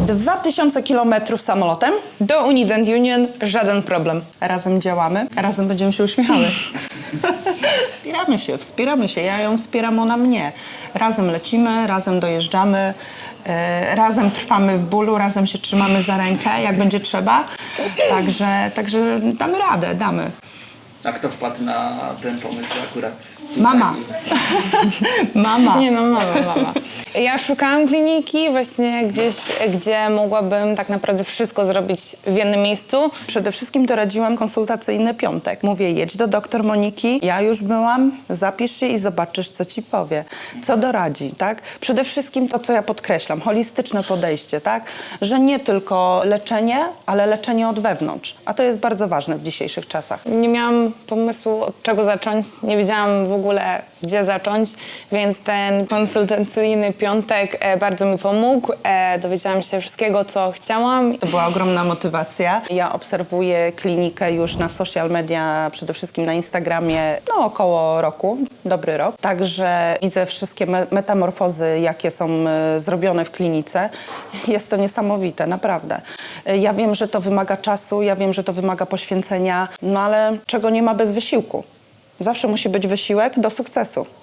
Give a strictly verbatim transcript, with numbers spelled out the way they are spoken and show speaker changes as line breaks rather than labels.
dwa tysiące kilometrów samolotem.
Do Unii Dent Union żaden problem.
Razem działamy, razem będziemy się uśmiechały. Wspieramy się, wspieramy się. Ja ją wspieram, ona mnie. Razem lecimy, razem dojeżdżamy, e, razem trwamy w bólu, razem się trzymamy za rękę, jak będzie trzeba. Także, także damy radę, damy.
A kto wpadł na ten pomysł akurat?
Mama. Mama.
Nie no, mama, mama. Ja szukałam kliniki właśnie gdzieś, gdzie mogłabym tak naprawdę wszystko zrobić w jednym miejscu.
Przede wszystkim doradziłam konsultacyjny piątek. Mówię, jedź do doktor Moniki, ja już byłam, zapisz się i zobaczysz, co ci powie. Co doradzi, tak? Przede wszystkim to, co ja podkreślam, holistyczne podejście, tak? Że nie tylko leczenie, ale leczenie od wewnątrz. A to jest bardzo ważne w dzisiejszych czasach.
Nie miałam pomysłu, od czego zacząć. Nie wiedziałam w ogóle, gdzie zacząć, więc ten konsultacyjny piątek e, bardzo mi pomógł. E, dowiedziałam się wszystkiego, co chciałam.
To była ogromna motywacja. Ja obserwuję klinikę już na social media, przede wszystkim na Instagramie, no około roku, dobry rok. Także widzę wszystkie me metamorfozy, jakie są e, zrobione w klinice. Jest to niesamowite, naprawdę. E, ja wiem, że to wymaga czasu, ja wiem, że to wymaga poświęcenia, no ale czego nie ma bez wysiłku. Zawsze musi być wysiłek do sukcesu.